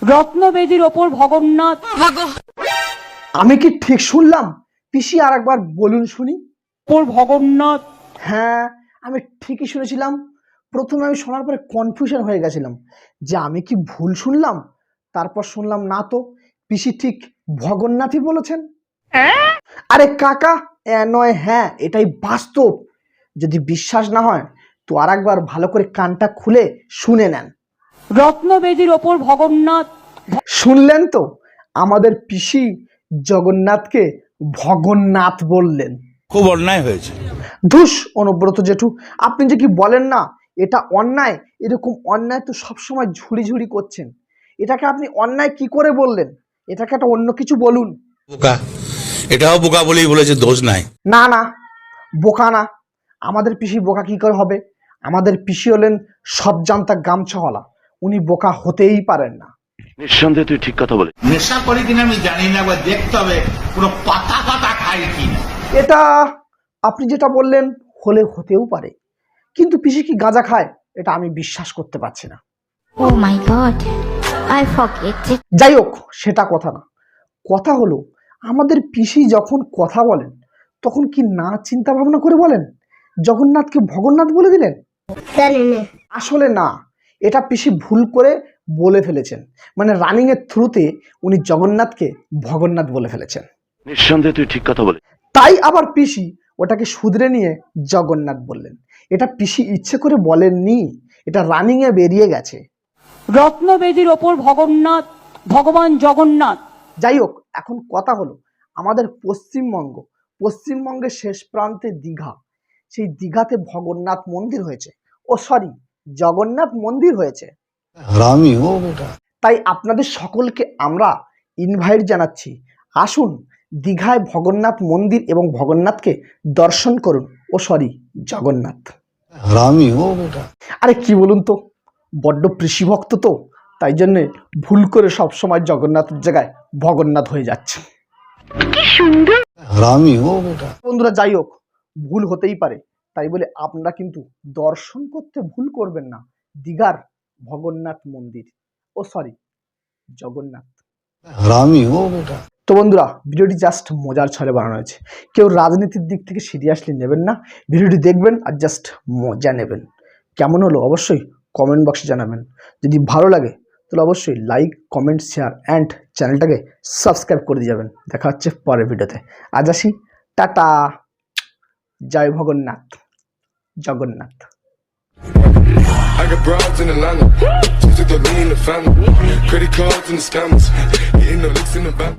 রত্নবেদীর ওপর ভগন্নাথ। আমি কি ঠিক শুনলাম? পিসি আর একবার বলুন শুনি। ওপর ভগন্নাথ। হ্যাঁ, আমি ঠিকই শুনেছিলাম। প্রথমে আমি শোনার পরে কনফিউশন হয়ে গেছিলাম যে আমি কি ভুল শুনলাম। তারপর শুনলাম না তো, পিসি ঠিক ভগন্নাথই বলেছেন। আরে কাকা, নয় হ্যাঁ, এটাই বাস্তব। যদি বিশ্বাস না হয় তো আর একবার ভালো করে কানটা খুলে শুনে নেন। রত্নবেদীর ওপর ভগন্নাথ। শুনলেন তো, আমাদের পিসি জগন্নাথকে ভগন্নাথ বললেন। খুব অন্যায় হয়েছে। ধুস অনুব্রত জেঠু, আপনি যে কি বলেন না, এটা অন্যায়। এরকম অন্যায় তো সবসময় ঝুড়ি ঝুড়ি করছেন। এটাকে আপনি অন্যায় কি করে বললেন? এটাকে একটা অন্য কিছু বলুন। বোকা, এটাও বোকা বলেই বলেছে, দোষ নাই। না না, বোকা না। আমাদের পিসি বোকা কি করে হবে? আমাদের পিসি হলেন সব জানতা গামছাওয়ালা। উনি বোকা হতেই পারেন না। নিঃসন্দেহে তুই ঠিক কথা বলে। নেশা করি কিনা আমি জানি না, একবার দেখতে হবে পুরো পাতা পাতা খাই কিনা। এটা আপনি যেটা বললেন হলে হতেও পারে, কিন্তু পিসি কি গাঁজা খায়? এটা আমি বিশ্বাস করতে পারছি না। Oh my god, I forget it. যাই হোক, সেটা কথা না। কথা হলো, আমাদের পিসি যখন কথা বলেন তখন কি না চিন্তা ভাবনা করে বলেন? জগন্নাথকে ভগন্নাথ বলে দিলেন? আসলে না, এটা পিসি ভুল করে বলে ফেলেছেন। মানে রানিং এর থ্রুতে উনি জগন্নাথকে ভগন্নাথ বলে ফেলেছেন। নিঃসন্দেহে তুই ঠিক কথা বলে। তাই আবার পিসি ওটাকে শুধরে নিয়ে জগন্নাথ বললেন। এটা পিসি ইচ্ছে করে বলেননি, এটা রানিং এ বেরিয়ে গেছে। রত্নবেদীর ওপর ভগন্নাথ, ভগবান জগন্নাথ। যাই হোক, এখন কথা হলো, আমাদের পশ্চিমবঙ্গের শেষ প্রান্তে দীঘা। সেই দীঘাতে ভগন্নাথ মন্দির হয়েছে, ও সরি, জগন্নাথ মন্দির হয়েছে। তাই আপনাদের সকলকে আমরা ইনভাইট জানাচ্ছি, আসুন দীঘায় ভগন্নাথ মন্দির এবং ভগন্নাথকে দর্শন করুন। ও সরি, জগন্নাথ। আরে কি বলুন তো, বড্ড কৃষি ভক্ত তো, তাই জন্যে ভুল করে সব সময় জগন্নাথের জায়গায় ভগন্নাথ হয়ে যাচ্ছে। বন্ধুরা, যাই হোক, ভুল হতেই পারে, তাই বলে আপনারা কিন্তু দর্শন করতে ভুল করবেন না দীঘার ভগন্নাথ মন্দির। ও সরি, জগন্নাথ। তো বন্ধুরা, ভিডিওটি জাস্ট মজার ছলে বানানো হয়েছে। কেউ রাজনীতির দিক থেকে সিরিয়াসলি নেবেন না, ভিডিওটি দেখবেন আর জাস্ট মজা নেবেন। কেমন হলো অবশ্যই কমেন্ট বক্সে জানাবেন। যদি ভালো লাগে তাহলে অবশ্যই লাইক, কমেন্ট, শেয়ার অ্যান্ড চ্যানেলটাকে সাবস্ক্রাইব করে দিয়ে যাবেন। দেখা হচ্ছে পরের ভিডিওতে। আজ আসি, টাটা। জয় Bhagannath, Jagannath. I got broads in Atlanta, just took the lean in the family, credit cards and the scammers, hitting the licks in the back.